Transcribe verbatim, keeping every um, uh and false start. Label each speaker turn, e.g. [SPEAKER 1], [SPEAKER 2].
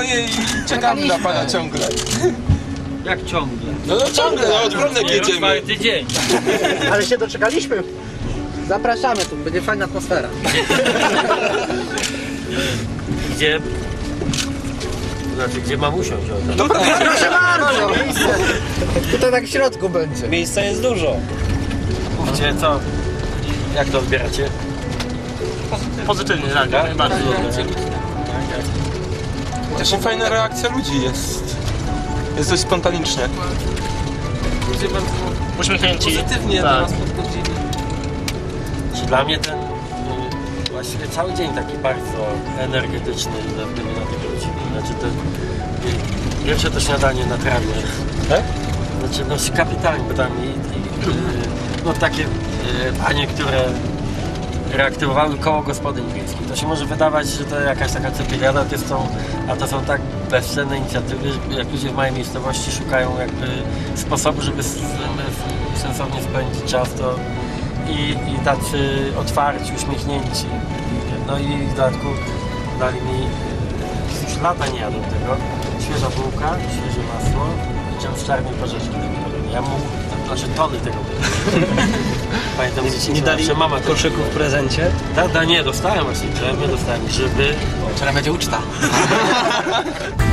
[SPEAKER 1] swoje i czekamy na pana ciągle.
[SPEAKER 2] Jak ciągle?
[SPEAKER 1] No, no ciągle, no od Wronek jedziemy.
[SPEAKER 2] Czwarty dzień.
[SPEAKER 3] Ale się doczekaliśmy. Zapraszamy tu, będzie fajna atmosfera.
[SPEAKER 2] Gdzie? Znaczy, gdzie mam usiąść?
[SPEAKER 1] No,
[SPEAKER 3] Proszę bardzo, miejsce. Tutaj tak w środku będzie.
[SPEAKER 4] Miejsca jest dużo.
[SPEAKER 2] Mówcie, co? Jak to odbieracie?
[SPEAKER 4] Pozytywnie, tak,
[SPEAKER 2] Tak?
[SPEAKER 4] bardzo
[SPEAKER 2] Reakcja
[SPEAKER 4] dobrze.
[SPEAKER 2] ludzi.
[SPEAKER 1] też fajna reakcja ludzi jest. Jest dość spontanicznie.
[SPEAKER 2] Ludzie bardzo
[SPEAKER 4] Uśmiechnięci.
[SPEAKER 2] pozytywnie
[SPEAKER 4] Tak.
[SPEAKER 2] do nas podchodzili. Znaczy, dla mnie ten y, właściwie cały dzień taki bardzo energetyczny dla gdyby na tych ludzi. Znaczy te, y, pierwsze to śniadanie na trawie.
[SPEAKER 4] Tak?
[SPEAKER 2] Znaczy no kapitalnie, bo tam i, i, y, no takie y, panie, które reaktywowały koło gospodyń wiejskich. To się może wydawać, że to jakaś taka cepiliada, to są, a to są tak bezcenne inicjatywy, jak ludzie w małej miejscowości szukają jakby sposobu, żeby sensownie spędzić czas, to i, i tacy otwarci, uśmiechnięci. No i w dodatku dali mi, już lata nie jadą tego, świeża bułka, świeże masło i dżem z czarnej porzeczki. Ja mu, znaczy tony tego było. Pamiętam, że
[SPEAKER 4] Nie dali
[SPEAKER 2] mama
[SPEAKER 4] koszyku w prezencie?
[SPEAKER 2] Da, da, nie, dostałem właśnie dżem, nie dostałem grzyby.
[SPEAKER 3] Teraz będzie uczta.